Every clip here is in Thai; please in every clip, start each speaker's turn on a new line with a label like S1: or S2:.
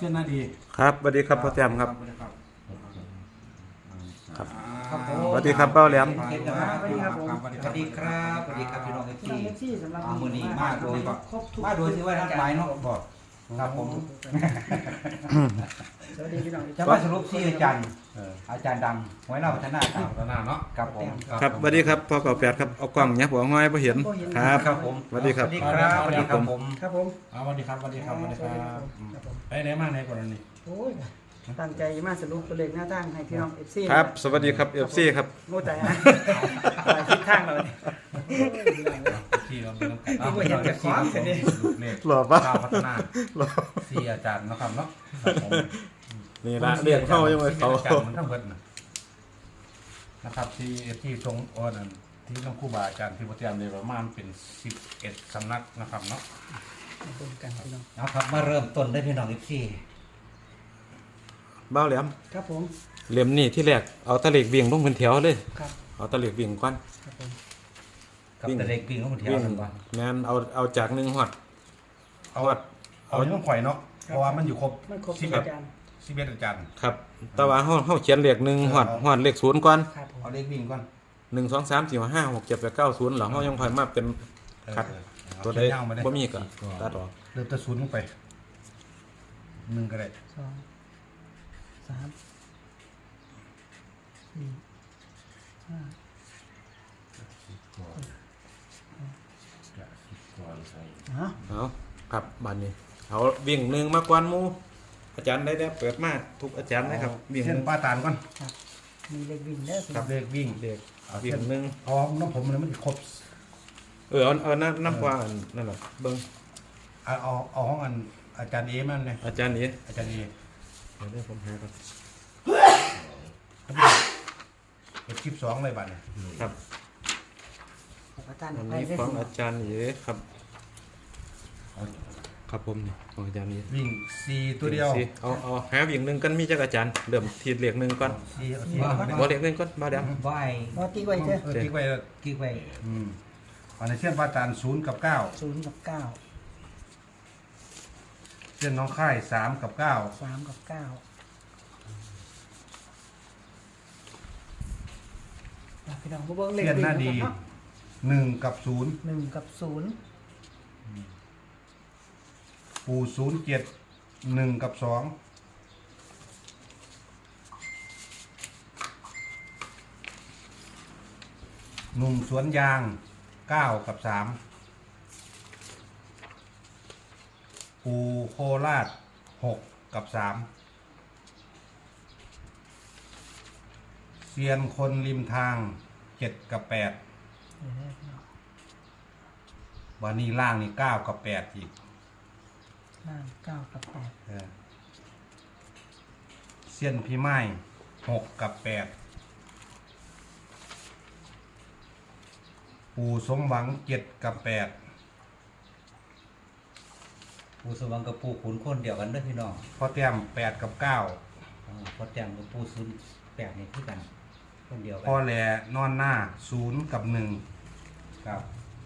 S1: ชื่อหน้าดี
S2: ครับสวัสดีครับพ่อแต้มครับ
S1: ครับ
S2: สวัสดีครับเป้าแหลม
S3: สวัสดีครับผมสวัสดีครับสวัสดีครับพี่น้องที่
S4: สำหรับ
S3: มือนี้มาโดย
S4: ครบทุก
S3: มาโดยที่ว่าทั้งหลายเนาะบอกครับผม
S4: สวัสดีพี่น้อง
S3: จะมาสรุปที่อาจารย์ดังไว้หน้าพัฒนาครับ
S1: พัฒนาเนาะ
S3: ครับผม
S2: ครับสวัสดีครับพ่อเก่าแปดครับเอากล้องเนี่ยผมเอาง่อยพอเห็นครับ
S3: ครับผม
S2: สวัสดีครับ
S3: สวัสดีครับสวัสดีครับผม
S4: ครับผม
S1: สวัสดีครับสวัสดีครับสวัสดีครับไปไหนมาไหนก่อนนี่
S4: โอ้ยตั้งใจมาสรุปตัวเลขหน้าตั้งให้พี่น้อง FC
S2: ครับสวัสดีครับเอฟซีครับ
S4: โง่ใจนะไปทิศทางเราเนี่ย
S1: ที่เราเป็น
S4: ไม่เห็นจะคว้าเสร็จดิ
S1: ลูกเล็ก
S2: หล่อปะ
S1: ก้าวพัฒนาสี่อาจารย์นะครับเนาะ
S2: นี่ละเรียกเข้ายังไงเขา
S1: อาจารย์มันทั้งเบิดนะครับที่ตรงอ้อนที่น้องครูบาอาจารย์ที่โปรเตรียมเลยประมาณเป็น11สำนักนะครับเนาะ
S4: เป็นกันพี่น้อง
S3: เอาครับมาเริ่มต้นได้พี่น้องที่
S2: เบ้าแหลม
S4: ครับผม
S2: เหลี่ยมนี่ที่แรกเอาตะเหล็กวิ่งลงเป็นแถวเลย
S4: ครับ
S2: เอาตะเหล็กวิ่งก่อน
S4: ครับผม
S3: กับแต่เด็กวิ่งเข้ามาเที่ยว
S2: วิ่ง
S3: กันบ้าง
S2: แมนเอาจากหนึ่งหอด
S1: เอาที่ต้องข่อยเนาะเพราะว่ามันอยู่ครบ
S4: ไม่ครบทุกอาจารย์
S1: 11อาจารย์
S2: ครับแต่ว่าเขาเขียนเลขหนึ่งหอดเลขศูนย์ก่อน
S4: ครับผม
S1: เอาเลขวิ่งก่อน
S2: 1 2 3 4 5 6 7 8 9 0หลังเขายังคอยมาเป็นคัดตัวใดบ่มีก็ตัดออก
S1: เริ่มจะศูนย์ลงไป1ก็ได้
S4: 2 3 4 5 ฮะ
S2: เอาครับบัดนี้เอาวิ่งหนึ่งมากกว่าหมู่อาจารย์ได้เปิดมาทุกอาจารย์นะครับวิ่งห
S1: เส้น
S2: นึ่ง
S1: ป้าตาลก่อน
S4: มีเลขวิ่งเด้อพี่
S1: ค
S4: น้
S1: รั
S4: อบ ง
S1: เลขวิ่ง
S2: เด็ก
S1: เอา
S2: วิ่
S1: เส้
S2: ง
S1: น
S2: หนึ่ง
S1: เอาน้ำผมมันครบ
S2: เอาน้ำกว่านั่นแหละเบิ้ง
S1: เอาห้องอันอาจารย์เอมันเลย
S2: อาจารย์นี้
S1: อาจารย์เอ
S2: เดี๋ยวผมหาก่อน
S1: เป็น12เลยบัดเนี่ย
S2: ครับ
S4: อาจารย์
S2: อัน
S4: ไป
S2: นี้
S4: ได้
S2: ของ
S4: พี่น้
S2: อาจารย์นี้ครับครับผมนี่ของอาจารย์นี้
S1: วิ่ง4ตัวเดียว
S2: สิเอาหาวิ่งหนึ่งกันมีจักอาจารย์เริ่มทีเลขหนึ่งก่อน
S1: 4เอา4
S2: บ่เลขหนึ่งก่อนมาเดี๋ยว
S3: ไหว
S4: บอตีไว้เถอะ
S1: ติ๊กไว้
S3: กิ๊กไว้
S1: อันนี้เส้นป้าตาล0กับ9
S4: 0 กับ 9
S1: เส้นน้องค่าย3กับ9
S4: 3 กับ 9พี่น้องผู้เบิ่งเลข
S1: เส้น
S4: วิ่ง
S1: หน้าดี
S4: นะครับ
S1: 1กับ0
S4: 1 กับ 0
S1: ปู่07 1กับ2หนุ่มสวนยาง9กับ3ปูโคราช6กับ3เซียนคนริมทาง7กับ8วันนี้ล่างนี่9กับ8อีก
S4: ล่าง9 กับ
S1: เซียนพี่ไม้6กับ8ปูสมหวัง7กับ8
S3: ปูสว่างกับปูขุนคนเดียวกันเด้อพี่น้อง
S1: พ่อแต้ม8กับ9
S3: พอแจ่มกับปูศูนย์แปดนี่คือกันคนเดียวกั
S1: พ่อแหล่นอนหน้า0กับ1
S3: ครับ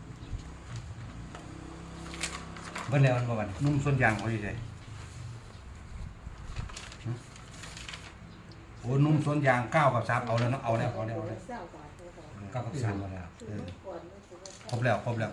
S3: เบิ่งแล้วมันบ่วัน
S1: นุ่มส่วนยางเขาอยู่ไสโอ้นุ่มส่วนยาง9กับ3เอาแล้วเนาะเอาแล้ว
S3: กับสามมาแล้ว
S1: ครบแล้วครบแล้ว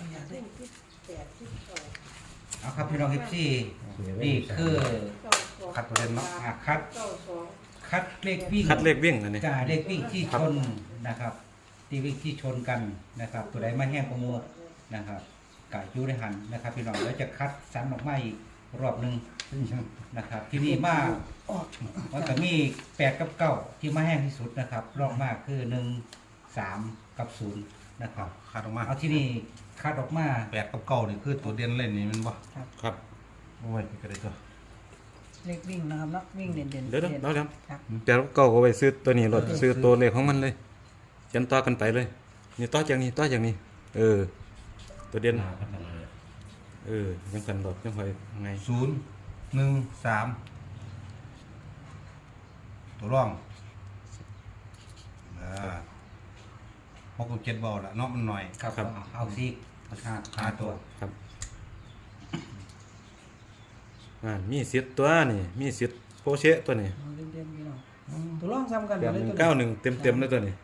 S3: เอาครับพี่น้องที่นี่คือ
S1: คัดเปอร์เซ็นต์เนาะ
S3: คัดเลขวิ่ง
S2: คัดเลขวิ่งอันนี้
S3: กาเลขวิ่งที่ชนนะครับที่วิ่งที่ชนกันนะครับ ตัวใดมาแห้งประมูลนะครับกาอยู่ในหันนะครับ พี่น้องแล้วจะคัดสรรออกมาอีกรอบหนึ่งนะครับ ที่นี่มามันก็มี8กับ9ที่มาแห้งที่สุดนะครับ รอบมากคือ1 3กับ0นะครับ
S1: คัดออกมา
S3: เอาที่นี่คัดออกมา
S1: 8กับ9นี่คือตัวเด่นเล่นนี่แมันบ่
S2: ครับ
S1: โอ้ยก็ได้ตัว
S4: เลขวิ่งนะครับเนาะวิ่งเด่น
S2: เดี๋ยวเราแล้ว
S4: ครับ
S2: แต่เก่าก็ไปซื้อตัวนี้รถซื้อตัวเลขของมันเลยเขียนต่อกันไปเลยนี่ต่อจากนี้ต่อจากนี้ตัวเด่นยังกันดอกยังคอยไง
S1: 0 1 3ตัวร่อง6กับ7เบาละเนาะมันหน่อย
S3: ครับเอาซี5ตัว
S2: ครับมีสิทธิ์ตัวนี่มีสิทธิ์โปเชะตัวนี้
S4: เอาเด่นๆพี่น้องตัวร่องซ้ำกัน
S2: แปด
S4: เลย
S2: หนึ่ง
S4: ตัว
S2: เก้าหนึ่งเต็มเลยตัวนี้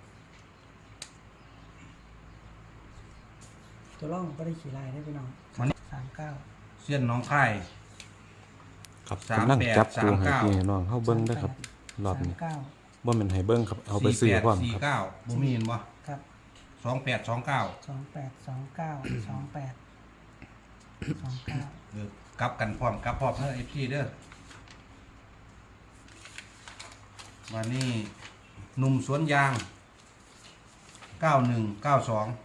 S4: ตัวร่องก็ได้ขี่ลายได้พี่น้อง39
S1: เส้นน้องค่าย
S2: ครับ
S1: 38
S2: กำลังจับครูให้
S1: 39
S2: พี่ให้น้องเฮาเบิ่งเด้อครับรอบนี้
S4: 39
S2: บ่แม่นให้เบิ่งครับเอาไปซื้อพร้อมครับ
S1: 48 49บ่มีเห็นบ่
S4: ครับ
S1: 28 29
S4: 28 29 28 29
S1: กลับกันพร้อมกลับพร้อมเด้อ FC เด้อวันนี้หนุ่มสวนยาง 91 92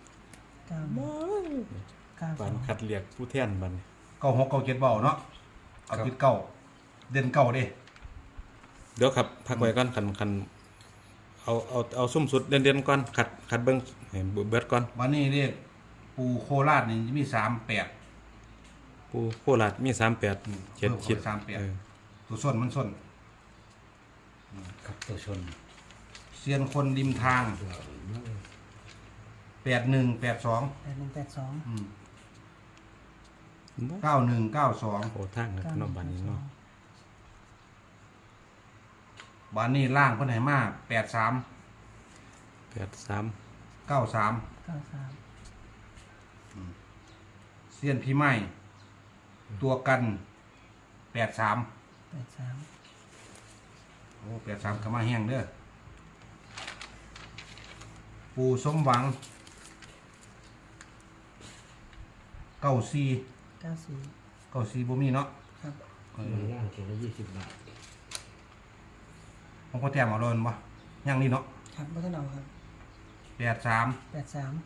S2: ปานคัดเรียกผู้แทนบัดนี้
S1: 96 97เบาเนาะเอาติดเก้าเด่นเก้าเด้
S2: เดี๋ยวครับพักไว้ก่อนคันเอาซุ่มสุดเด่นๆก่อนขัดเบิ่งให้เบิดก่อน
S1: วันนี้เรียกปูโคราชนี่มี38
S2: ผู้โคราชมี38
S1: เพิ่ม
S2: 7
S1: เข้า
S2: คิด
S1: ไป38
S2: เออ
S1: ตัวส้นมันส้น
S3: ครับตัวชน
S1: เซียนคนริมทาง 81 82
S4: 8182
S1: 91 92
S2: โอ้ทางนะน้องบัดนี้เนาะ
S1: วันนี้ล่างเพิ่นให้มา83
S2: 83
S1: 93
S4: 93
S1: เซียนพี่ไม้ตัวกัน83
S4: 83
S1: โอ้83ก็มาแห้งเด้อปูสมหวัง94
S4: 94
S1: บ่มีเนาะ
S4: ครับ
S3: ล่างเขียนละ20 บาท
S1: ผมก็แต้มเอาเลยบ่ยังนี่เนาะ
S4: ครับบ่ทันเอาครับ
S1: 83
S4: 83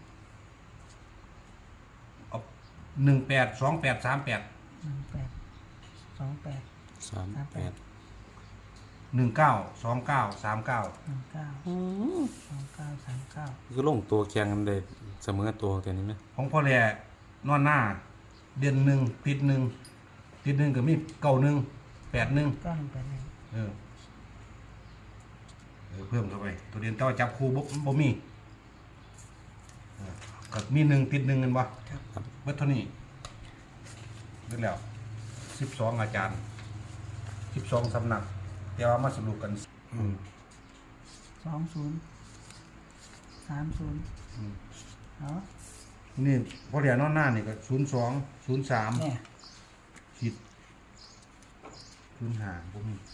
S1: เอา18 28 38
S4: 18 28
S2: 38
S1: 19 29 39
S4: 19 29 39
S2: คือลงตัวแข่งกันได้เสมอตัวแต่นี้ไหม
S1: ของพ่อแหล่นอนหน้า เดือนหนึ่งติดหนึ่งก็มี91 81
S4: 9181
S1: เออเพิ่มเข้าไป ตัวเรียนต่อจับคู่บ่มีก็มี1ติด1กันบ่
S4: ครับ
S1: เบิดเท่านี้เบิดแล้ว12อาจารย์12สำนักแต่ว่ามาสรุปกัน
S4: 20 30เนาะ
S1: นี่พ่อแหล่นอนหน้านี่ก็02 03
S4: เนี่ย
S1: ผิด05บ่มี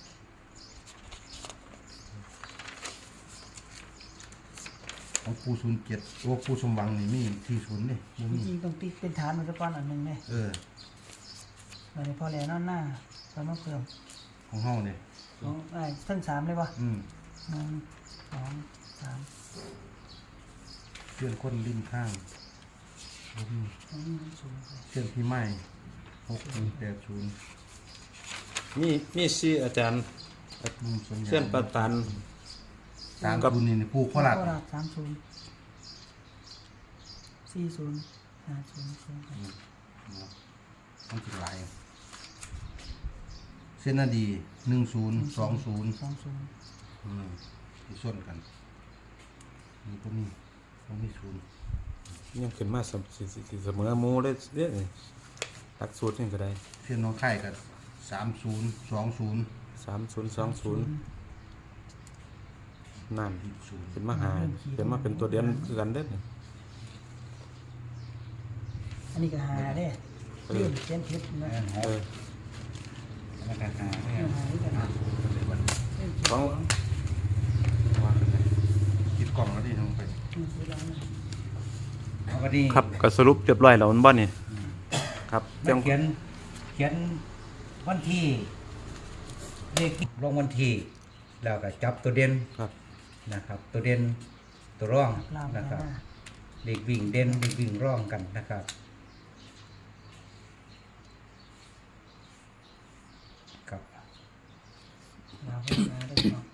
S1: ของปู07โอ้ปูสมหวังนี่มี40เด้บ่
S4: จ
S1: มี
S4: ริงๆต้องติ๊กเป็นฐานมันจะก่อนอันหนึงเนี่ย
S1: เออ
S4: วันนี้พอแล้วนอนหน้าตอนมาเพิ่ม
S1: ของเฮาเนี่ย
S4: ของไอ้ทั้ง3เลยป่ะ 1 2 3
S1: เชื่อนคนริมข้างบ่มี
S4: 0
S1: เชื่อนพี่ไม้6180
S2: มีสี่อาจารย์
S1: นุ่มสวนยาง
S2: เส้นประตาน
S1: ตามกับนี่ปูโคราช
S4: 30 40 50
S1: มันสิหลายเส้นนาดี10 20
S4: 20
S1: ที่ส่วนกันนี่บ่มีศูนย์
S2: ยังขึ้นมาเสมอหมูเลยเด้อหลักสูตรนี่ก็ได้
S1: เส้นน้องไข่กับ30 20
S2: 3020นั่น
S1: 20
S2: เป็นมาหาเป็นมาเป็นตัวเดียนคือกันเด้อนี่
S4: อันนี้ก็หาเด้ลื่นเขียนผิดนะ
S2: เออ
S1: แล้วก็หาแม่
S4: หาด้วยกันนะ
S2: ของ
S1: คิดกล่องแล้วดิทางไป
S3: เอาก็ดี
S2: ครับก็สรุปเรียบร้อยแล้วมันบ่นี่ครับ
S3: มันเขียนวันที่เลขลงวันที่แล้วก็จับตัวเด่น
S2: ครับ
S3: นะครับ ตัวเด่นตัวร่อง
S4: ลาว
S3: นะ
S4: นะ
S3: ค
S4: ค
S3: รั
S4: รั
S3: บบ เด็กวิ่งเด่นเด็กวิ่งร่องกันนะครับครับ
S4: ลาวนะได้เนาะ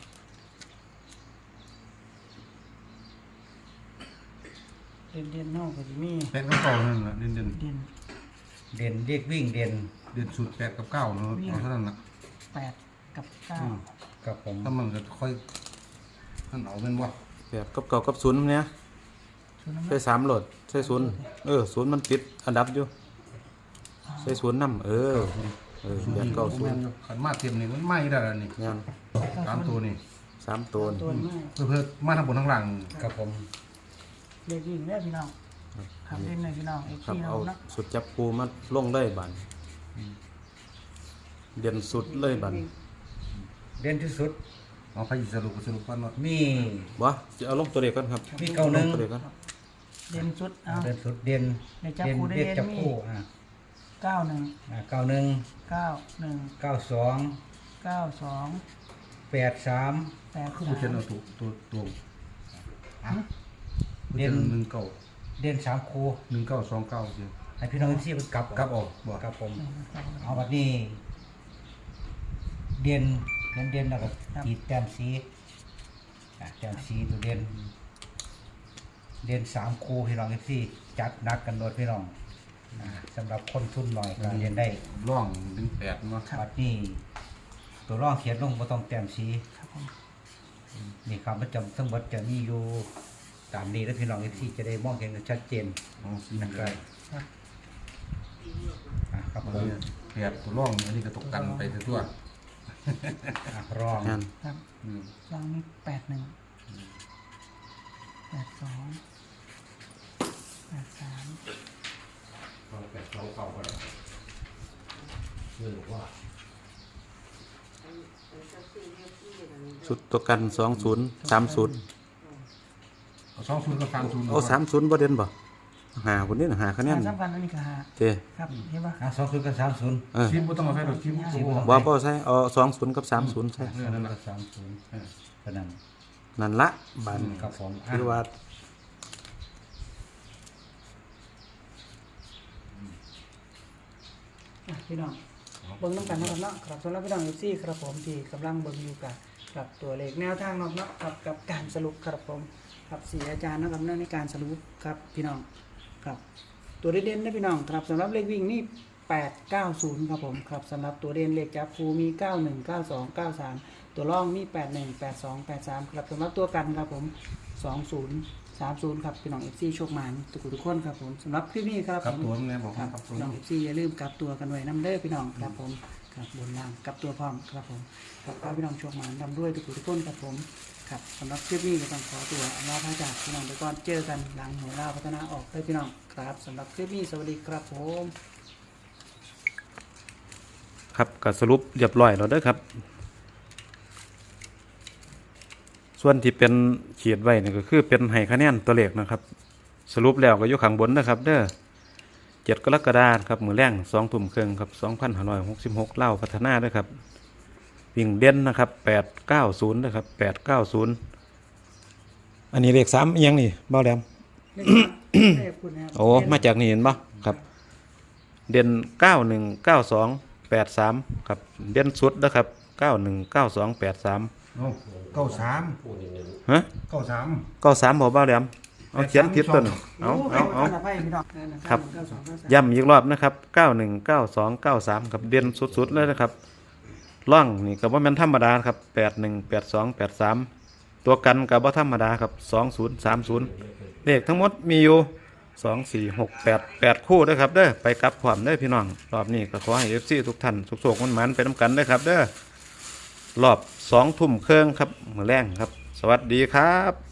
S4: เด่นๆเนาะก็สิมี
S1: แปดกับเก้านั่นแหละเด่น
S4: เด่น
S3: เด่นเด็กวิ่งเด่น
S1: เด่นสุด8กับ9เนาะเอาเท่านั้นน่ะ
S4: 8กับ
S3: กับผม
S1: ถ้ามันก็ค่อยนั่นเอาเป็นบ่
S2: แบบกับเก่ากับศูนย์เนี่ย
S4: 9ศูนย์
S2: ใช้3โหลดใช้ศูนย์ศูนย์มันติดอันดับอยู่ใช้ศูนย์นำ
S1: สูตรนี้ก็แม่นอยู่ขันมาเต็มนี่มันไม่ได้แล้วนี่
S2: งาน
S1: ตามตัวนี่
S2: 3ตัวนี่
S4: ตัวนี้
S1: เพื่อมาทั้งบนทั้งหลัง
S3: ครับผม
S4: เลขวิ่งเนี่ยพี่น้องครับเล่นเลยพี่น้องเอฟ
S2: ครับ
S4: ซีเรา
S2: เอา
S4: เนาะ
S2: สุดจับปูมาลงเลยบัดเด่นสุดเลยบัด
S3: เด่นที่สุด
S1: เอาไปสรุปกันว่า
S3: มี
S2: บ่จะเอาลงตัวเด็กก่อนครับ
S3: มีเก้าหนึ่ง
S2: ลตัวเด็กก่อน
S4: เด่นสุดเอา
S3: เด่นสุดเด่น
S4: ในจับคู่ได้
S3: เด่น
S4: เด่น
S3: จับ
S4: มี
S3: คู่
S4: 91
S3: เก้าหนึ่ง
S4: 91
S3: เก้าสอง
S4: 92
S3: แปดสาม
S1: คือผู้เช่นเอาตัว
S3: เด่น
S1: 1 9
S3: เด่นสามคู่
S1: 1 9 2 9เดียว
S3: ให้พี่น้องที่กลับ
S1: กลับออกบ่
S3: ครับผม เอาแบบนี้เด่นแล้วก็ขีดแต้มสีแต้มสีตัวเด่นสามคู่พี่น้องที่จัดหนักกันโดยพี่น้องสำหรับคนทุนหน่อยก็เรียนได้
S1: ร่อง1 8เนาะ
S3: บัดนี้ตัวร่องเขียนลงบ่ต้องแต้มสี
S4: ครับผม
S3: นี่ครับประจำทั้งหมดจะมีอยู่ตามนี้แล้วพี่น้องที่จะได้มองเห็นกันชัดเจน
S1: เอาสี
S3: นะ
S1: นะ
S3: ค
S1: ค
S3: รั
S1: รั
S3: บบ ครับผม
S1: เปียกตัวร่องอันนี้ก็ตกกันไปทั่ว
S3: รอง
S2: งาน
S4: ครับ
S1: อืม
S4: ลองนี่81 82 83
S2: สุดตัวกัน20 30
S1: เอา20กับ30
S2: เอา30บ่เด่นบ่หาคนนี้น่ะหาคะแนน
S4: สำคัญอันนี้ก็หา
S2: เจ้
S4: ครับเห็นปะ
S3: 20กับ30
S2: เออ
S1: ทีมบ่ต้องเอาใส่ดอกทีมโอ้
S2: บ่ใช่เอา20กับ30ใช่
S1: นั่นน่ะ
S3: กับ30เท่านั้น
S2: นั่นละบาด
S3: ครับผม
S2: คือว่า
S4: พี่น้องเบิ่งน้ำกันนะครับเนาะครับสำหรับพี่น้องเอฟซีครับผมที่กำลังเบิ่งอยู่กับตัวเลขแนวทางเนาะครับกับการสรุปครับผมครับสี่อาจารย์นะครับในการสรุปครับพี่น้องครับตัวเด่นๆนะพี่น้องครับสำหรับเลขวิ่งนี่890ครับผมครับสำหรับตัวเด่นเลขจับคูมี91 92 93ตัวร่องมี81 82 83ครับสำหรับตัวกันครับผม20 30ครับพี่น้อง FC โชคหมานทุกคนครับผมสำหรับคลิปนี้ครับ
S1: กับ
S4: ผม
S1: ตัวมันแน่บอก
S4: ครับ
S1: กับตัว
S4: พี่น้อง FC อย่าลืมกลับตัวกันไว้น้ำเด้อพี่น้องครับผมครับบนล่างกลับตัวพร้อมครับผมครับขอให้พี่น้องโชคหมานนำด้วยทุกคนครับผมครับสำหรับคลิปนี้ก็ต้องขอตัวลาพระจากพี่น้องไปก่อนเจอกันหลังหัวลาพัฒนาออกเลยพี่น้องครับสำหรับคลิปนี้สวัสดีครับผม
S2: ครับก็สรุปเรียบร้อยแล้วเด้อครับ ส่วนที่เป็นขีดไว้นี่ก็คือเป็นให้คะแนนตัวเลขนะครับ สรุปแล้วก็อยู่ข้างบนนะครับเด้อ7 กรกฎาคมครับมื้อแรง2 ทุ่มครึ่งครับ2566เล่าพัฒนาเด้อครับวิ่งเด่นนะครับ890นะครับ890อันนี้เลข3อีหยังนี่เบ้าแหลม
S4: เลขคุณนะครับ
S2: โอ้มาจากนี่เห็นบ่ครับ เด่น919283ครับเด่นสุดนะครับ919283
S1: โอ้93
S2: ฮะ
S1: 93
S2: 93บ่เบ้าแหลมเอาเขียนผิดตัวหนึงเอา ครับ ย้ำอีกรอบนะครับ919293ครับเด่นสุดๆเลยนะครับล่องนี่ก็บ่แม่นธรรมดาครับ818283ตัวกันก็บ่ธรรมดาครับ2030เลขทั้งหมดมีอยู่2 4 6 8 8คู่เด้อครับเด้อไปกลับพร้อมเด้อพี่น้องรอบนี้ก็ขอให้ FC ทุกท่านสุขๆมันๆไปนํกันเด้อครับเด้อรอบ2 ทุ่มครึ่งครับมื้อแรงครับ สวัสดีครับ